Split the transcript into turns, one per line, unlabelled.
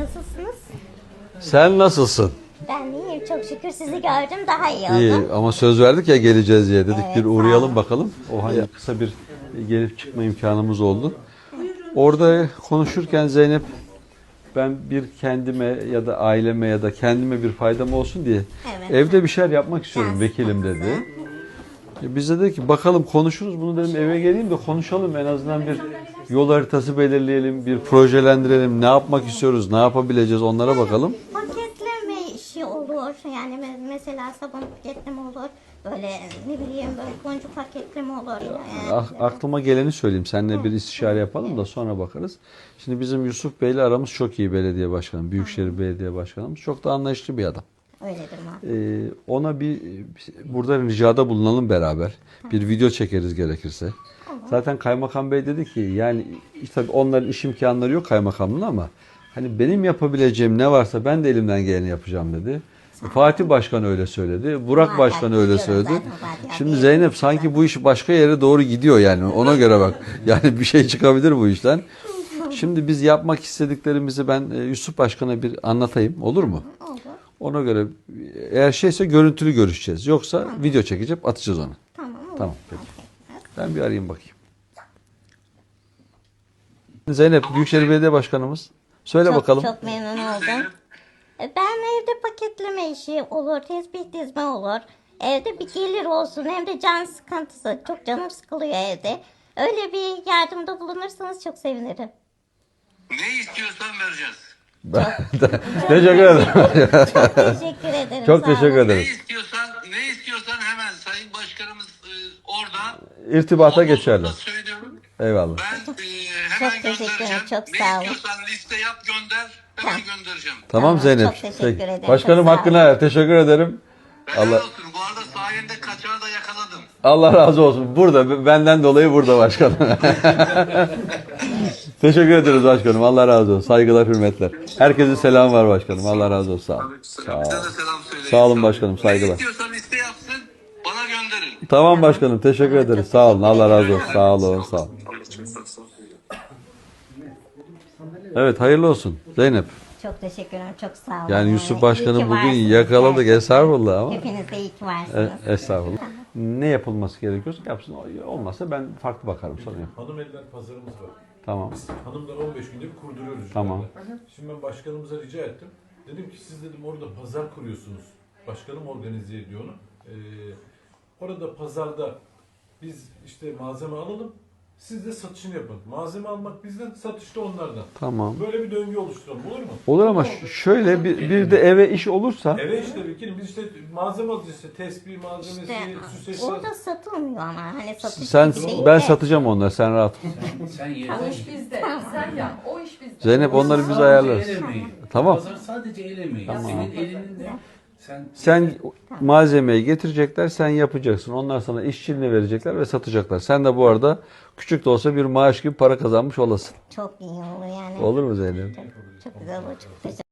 nasılsınız?
Sen nasılsın?
Ben iyiyim, çok şükür sizi gördüm, daha iyi oldum.
İyi ama söz verdik ya geleceğiz diye dedik
Evet,
bir
sağ
uğrayalım
olun.
bakalım. O hani kısa bir gelip çıkma imkanımız oldu. Orada konuşurken Zeynep ben bir kendime ya da aileme ya da kendime bir faydam olsun diye
Evet.
evde bir şeyler yapmak istiyorum
Ders
vekilim
konusu.
dedi. Biz de dedik ki bakalım konuşuruz bunu dedim eve geleyim de konuşalım en azından bir yol haritası belirleyelim, bir projelendirelim, ne yapmak istiyoruz, ne yapabileceğiz onlara bakalım.
Paketleme işi olur, yani mesela sabun paketleme olur, böyle ne bileyim böyle boncuk paketleme olur.
Aklıma geleni söyleyeyim. Seninle bir istişare yapalım da sonra bakarız. Şimdi bizim Yusuf Bey'le aramız çok iyi belediye başkanı. Büyükşehir Belediye Başkanımız. Çok da anlayışlı bir adam.
Öyledir mi?
Ona burada ricada bulunalım beraber. Bir video çekeriz gerekirse. Zaten Kaymakam Bey dedi ki yani tabii onların iş imkanları yok kaymakamlığın ama hani benim yapabileceğim ne varsa ben de elimden geleni yapacağım dedi. Fatih Başkan öyle söyledi. Burak Başkan öyle söyledi. Şimdi Zeynep sanki bu iş başka yere doğru gidiyor yani. Ona göre bak. Yani bir şey çıkabilir bu işten. Şimdi biz yapmak istediklerimizi ben Yusuf Başkan'a bir anlatayım. Olur mu?
Olur.
Ona göre eğer şeyse görüntülü görüşeceğiz. Yoksa video çekeceğim atacağız onu.
Tamam, olur.
Tamam peki. Ben bir arayayım bakayım. Zeynep Büyükşehir Belediye Başkanımız. Söyle bakalım.
Çok memnun oldum. Ben evde paketleme işi olur, tespih dizme olur. Evde bir gelir olsun, hem de can sıkıntısı. Çok canım sıkılıyor evde. Öyle bir yardımda bulunursanız çok sevinirim.
Ne istiyorsan vereceğiz.
Teşekkür ederim.
Çok teşekkür ederim.
Çok
sağ olun.
teşekkür ederim.
Ne istiyorsan hemen Sayın Başkanımız orada.
İrtibata
Ondan
geçerler.
sonra söylüyorum.
Eyvallah.
Ben hemen
Çok teşekkür ederim,
göndereceğim.
çok
Ne
sağ olun.
istiyorsan liste yap gönder. Hemen göndereceğim.
Tamam
Tamam,
Zeynep.
çok teşekkür ederim,
Başkanım
çok sağ
hakkını
olun.
ver. Teşekkür ederim.
Helal
Allah
olsun. Bu arada sayende kaçağı da yakaladım.
Allah razı olsun. Burada benden dolayı burada başkanım. Teşekkür ederiz başkanım. Allah razı olsun. Saygılar, hürmetler. Herkese selam var başkanım. Allah razı olsun. Sağ olun.
Bize de selam söyleyin.
Sağ olun başkanım, saygılar.
Ne istiyorsan liste yapsın. Bana gönderin.
Tamam başkanım. Teşekkür ederiz. Sağ olun. Allah razı olsun. Sağ olun. Sağ olun. Evet hayırlı olsun Zeynep.
Çok teşekkür ederim, çok sağ olun.
Yani Yusuf
İyi
Başkanım
ki
bugün
varsınız
yakaladık.
gerçekten.
Estağfurullah ama.
Hepiniz de iyi ki varsınız.
Estağfurullah. Ne yapılması gerekiyorsa yapsın. Olmazsa ben farklı bakarım. Sorun yok.
Hanım eller pazarımız var.
Tamam.
Biz hanımlar 15 günde bir kurduruyoruz.
Tamam.
yukarıda. Şimdi ben başkanımıza rica ettim. Dedim ki siz dedim orada pazar kuruyorsunuz. Başkanım organize ediyor onu. Orada pazarda biz işte malzeme alalım. Siz de satışını yapın. Malzeme almak bizden, satış da onlardan.
Tamam.
Böyle bir döngü oluşturalım olur mu?
Olur ama şöyle bir de eve iş olursa
Eve işte bir biz işte malzeme alacağız işte tespih malzemesi, süs eşyası.
Orada satılmıyor ama hani satış
sen
gibi değil
ben
de.
satacağım onları sen rahat ol.
Sen yeter.
O iş bizde. Sen yap. O iş bizde.
Zeynep onları biz
Sadece
ayarlarız.
el emeği.
Tamam.
Pazar sadece el emeği. Senin elinin de
Sen malzemeyi getirecekler, sen yapacaksın. Onlar sana işçiliğini verecekler ve satacaklar. Sen de bu arada küçük de olsa bir maaş gibi para kazanmış olasın.
Çok iyi olur yani.
Olur mu Zeynep?
Çok güzel olur. Çok teşekkür